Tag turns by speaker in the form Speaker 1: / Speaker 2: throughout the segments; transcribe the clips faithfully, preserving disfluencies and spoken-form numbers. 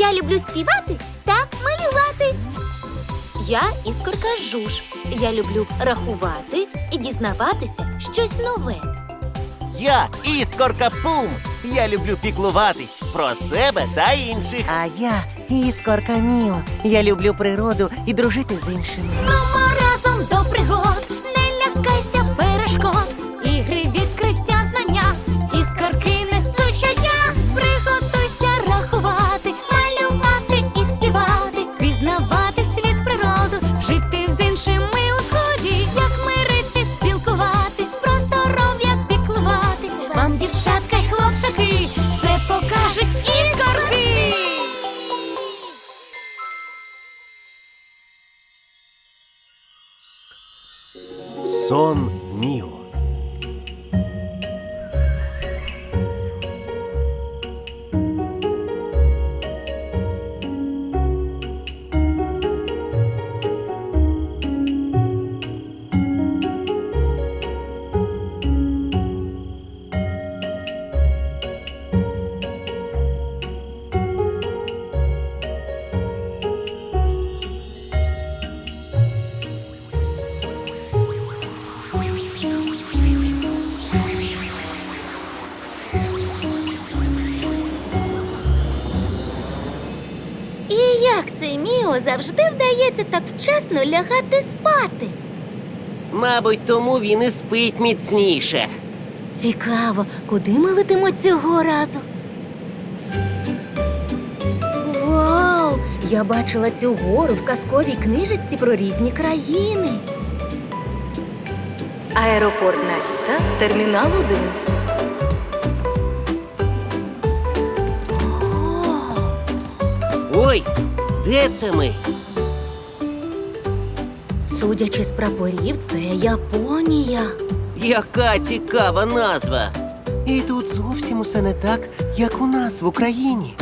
Speaker 1: Я люблю співати та малювати. Я іскорка Жуж. Я люблю рахувати і дізнаватися щось нове.
Speaker 2: Я іскорка Пум. Я люблю піклуватись про себе та інших.
Speaker 3: А я іскорка Міо. Я люблю природу і дружити з іншими.
Speaker 1: Мамо, разом до пригод, не лякайся перешкод. Ігри, відкриття, знання, іскорки несуть щодня. Приготуйся рахувати, малювати і співати, пізнавати світ, природу, жити з іншими у згоді. Як мирити, спілкуватись, про здоров'я піклуватись. Вам, дівчатка й хлопчаки, все покажуть іскорки.
Speaker 2: Сон Міо.
Speaker 1: І як це Міо завжди вдається так вчасно лягати спати?
Speaker 2: Мабуть, тому він і спить міцніше.
Speaker 1: Цікаво, куди ми летимо цього разу? Вау! Я бачила цю гору в казковій книжечці про різні країни. Аеропорт Наріта, термінал один.
Speaker 2: Ой, де це ми?
Speaker 1: Судячи з прапорів, це Японія.
Speaker 2: Яка цікава назва.
Speaker 3: І тут зовсім усе не так, як у нас в Україні.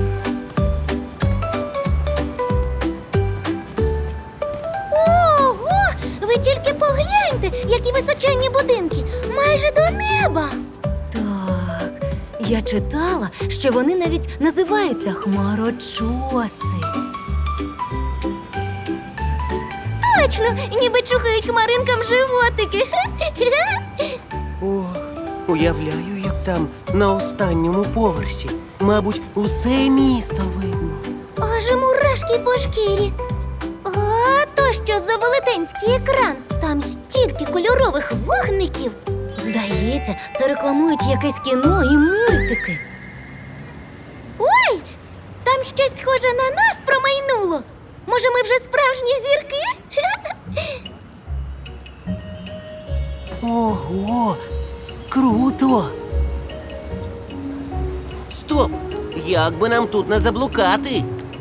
Speaker 1: Ого! Ви тільки погляньте, які височенні будинки, майже до неба. Так, я читала, що вони навіть називаються хмарочоси. Точно, ніби чухають хмаринкам животики.
Speaker 3: О, уявляю, як там на останньому поверсі. Мабуть, усе місто видно.
Speaker 1: Аж мурашки по шкірі. А то що за велетенський екран? Там стільки кольорових вогників. Здається, це рекламують якесь кіно і мультики. Ой! Там щось схоже на нас промайнуло. Може, ми вже справжні зірки?
Speaker 3: Ого, круто!
Speaker 2: Стоп! Як би нам тут не заблукати?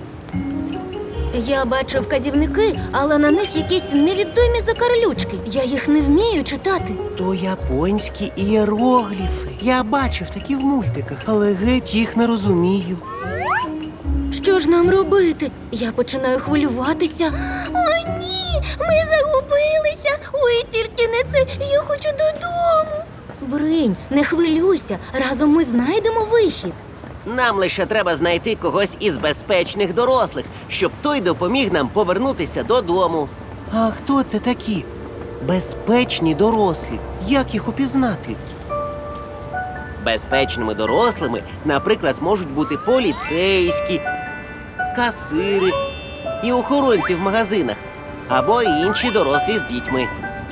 Speaker 1: Я бачу вказівники, але на них якісь невідомі закарлючки. Я їх не вмію читати.
Speaker 3: То японські іерогліфи. Я бачив такі в мультиках, але геть їх не розумію.
Speaker 1: Що ж нам робити? Я починаю хвилюватися. О, ні! Ми загубилися! Ой, тільки не це, я хочу додому. Бринь, не хвилюйся, разом ми знайдемо вихід.
Speaker 2: Нам лише треба знайти когось із безпечних дорослих, щоб той допоміг нам повернутися додому.
Speaker 3: А хто це такі? Безпечні дорослі. Як їх упізнати?
Speaker 2: Безпечними дорослими, наприклад, можуть бути поліцейські, касири і охоронці в магазинах, або інші дорослі з дітьми.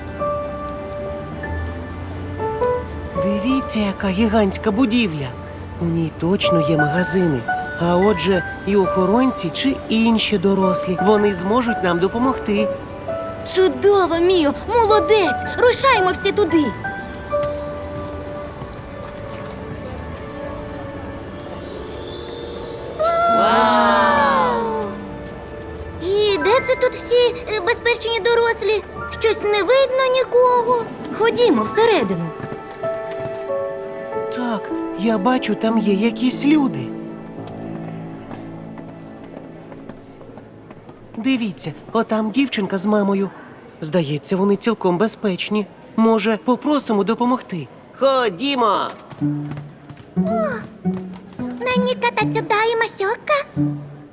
Speaker 3: Дивіться, яка гігантська будівля. У ній точно є магазини. А отже, і охоронці чи інші дорослі. Вони зможуть нам допомогти.
Speaker 1: Чудово, Міо, молодець! Рушаймо всі туди.
Speaker 2: Вау!
Speaker 1: І де це тут всі е, безпечні дорослі? Щось не видно нікого. Ходімо всередину.
Speaker 3: Так, я бачу, там є якісь люди. Дивіться, отам дівчинка з мамою. Здається, вони цілком безпечні. Може, попросимо допомогти?
Speaker 2: Ходімо!
Speaker 1: Нані катацюдаємасьока.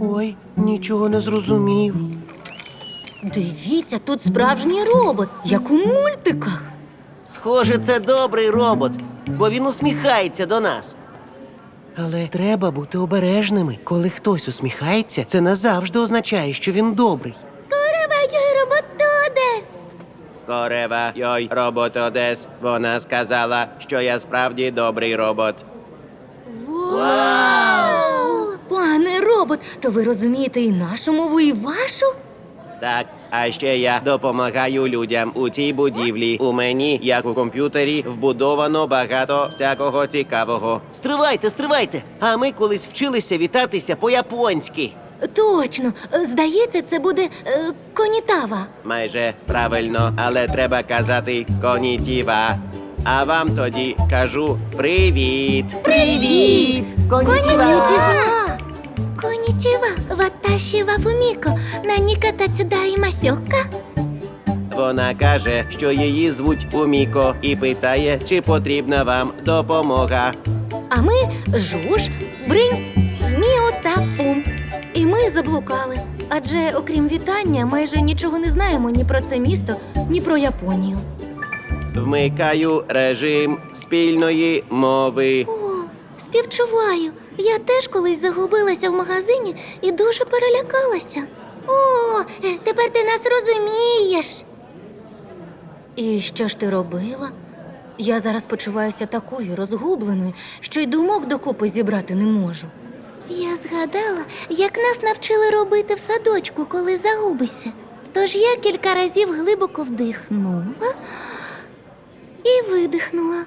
Speaker 3: Ой, нічого не зрозумів.
Speaker 1: Дивіться, тут справжній робот, як у мультиках.
Speaker 2: Схоже, це добрий робот, бо він усміхається до нас.
Speaker 3: Але треба бути обережними. Коли хтось усміхається, це не завжди означає, що він добрий.
Speaker 1: Роботодес.
Speaker 2: Корева, йой, робот Одес. Вона сказала, що я справді добрий робот.
Speaker 1: Вау! Пане робот, то ви розумієте і нашу мову, і вашу?
Speaker 2: Так, а ще я допомагаю людям у цій будівлі. У мені, як у комп'ютері, вбудовано багато всякого цікавого. Стривайте, стривайте! А ми колись вчилися вітатися по-японськи.
Speaker 1: Точно. Здається, це буде е, конітава.
Speaker 2: Майже правильно, але треба казати конітіва. А вам тоді кажу привіт.
Speaker 1: Привіт!
Speaker 2: Конітіва!
Speaker 1: Конітіва, ваташі ва фуміко, наніка тацюдаї масьока.
Speaker 2: Вона каже, що її звуть Уміко і питає, чи потрібна вам допомога.
Speaker 1: А ми жуж, бринь, міо та пум. І ми заблукали. Адже, окрім вітання, майже нічого не знаємо ні про це місто, ні про Японію.
Speaker 2: Вмикаю режим спільної мови.
Speaker 1: О, співчуваю. Я теж колись загубилася в магазині і дуже перелякалася. О, тепер ти нас розумієш. І що ж ти робила? Я зараз почуваюся такою розгубленою, що й думок докупи зібрати не можу. Я згадала, як нас навчили робити в садочку, коли загубишся. Тож я кілька разів глибоко вдихнула і видихнула,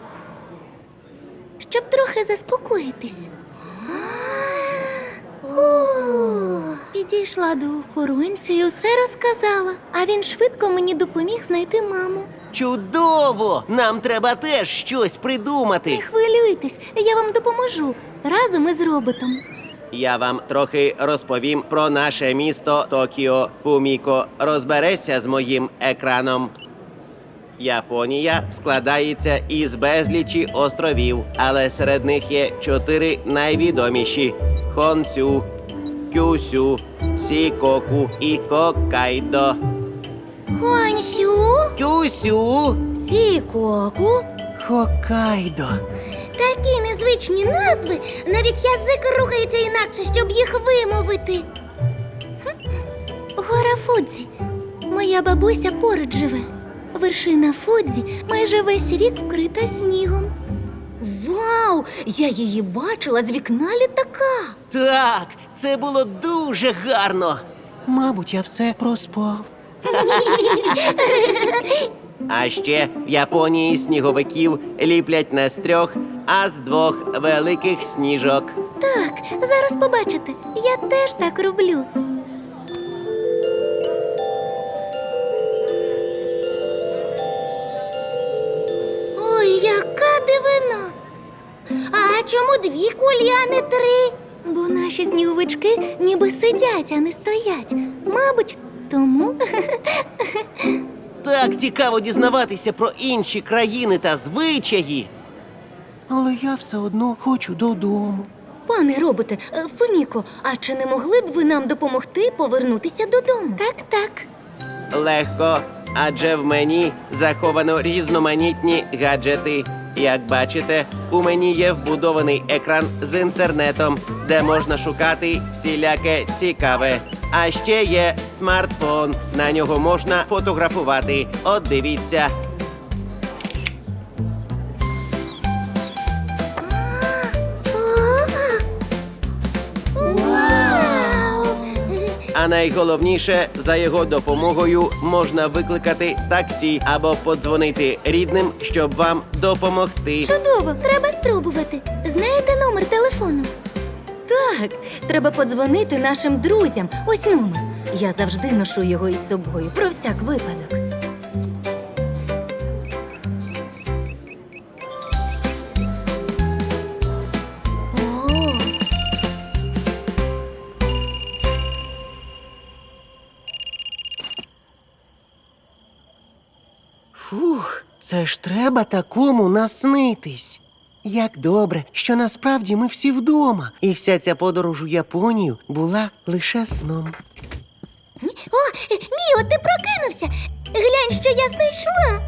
Speaker 1: щоб трохи заспокоїтись. О, підійшла до охоронця і усе розказала, а він швидко мені допоміг знайти маму.
Speaker 2: Чудово! Нам треба теж щось
Speaker 1: Не
Speaker 2: придумати.
Speaker 1: хвилюйтесь, я вам допоможу разом із роботом.
Speaker 2: Я вам трохи розповім про наше місто Токіо. Фуміко, розберешся з моїм екраном. Японія складається із безлічі островів, але серед них є чотири найвідоміші: Хонсю, Кюсю, Сікоку і Хоккайдо.
Speaker 1: Хонсю,
Speaker 2: Кюсю!
Speaker 1: Сікоку.
Speaker 3: Хоккайдо.
Speaker 1: Такі незвичні назви, навіть язик рухається інакше, щоб їх вимовити. Хм. Гора Фудзі. Моя бабуся поруч живе. Вершина Фудзі майже весь рік вкрита снігом. Вау! Я її бачила з вікна літака.
Speaker 2: Так, це було дуже гарно.
Speaker 3: Мабуть, я все проспав.
Speaker 2: А ще в Японії сніговиків ліплять не з трьох, а з двох великих сніжок.
Speaker 1: Так, зараз побачите, я теж так роблю. Ой, яка дивина! А чому дві кулі, а не три? Бо наші сніговички ніби сидять, а не стоять. Мабуть, тому.
Speaker 2: Так цікаво дізнаватися про інші країни та звичаї.
Speaker 3: Але я все одно хочу додому.
Speaker 1: Пане роботе, е, Фуміко, а чи не могли б ви нам допомогти повернутися додому? Так, так.
Speaker 2: Легко, адже в мені заховано різноманітні гаджети. Як бачите, у мені є вбудований екран з інтернетом, де можна шукати всіляке цікаве. А ще є смартфон. На нього можна фотографувати. От дивіться.
Speaker 1: Вау!
Speaker 2: А найголовніше, за його допомогою можна викликати таксі або подзвонити рідним, щоб вам допомогти.
Speaker 1: Чудово, треба спробувати. Знаєте номер телефону? Так, треба подзвонити нашим друзям. Ось номер. Я завжди ношу його із собою, про всяк випадок. О!
Speaker 3: Фух, це ж треба такому наснитись. Як добре, що насправді ми всі вдома. І вся ця подорож у Японію була лише сном.
Speaker 1: О, Міо, ти прокинувся! Глянь, що я знайшла!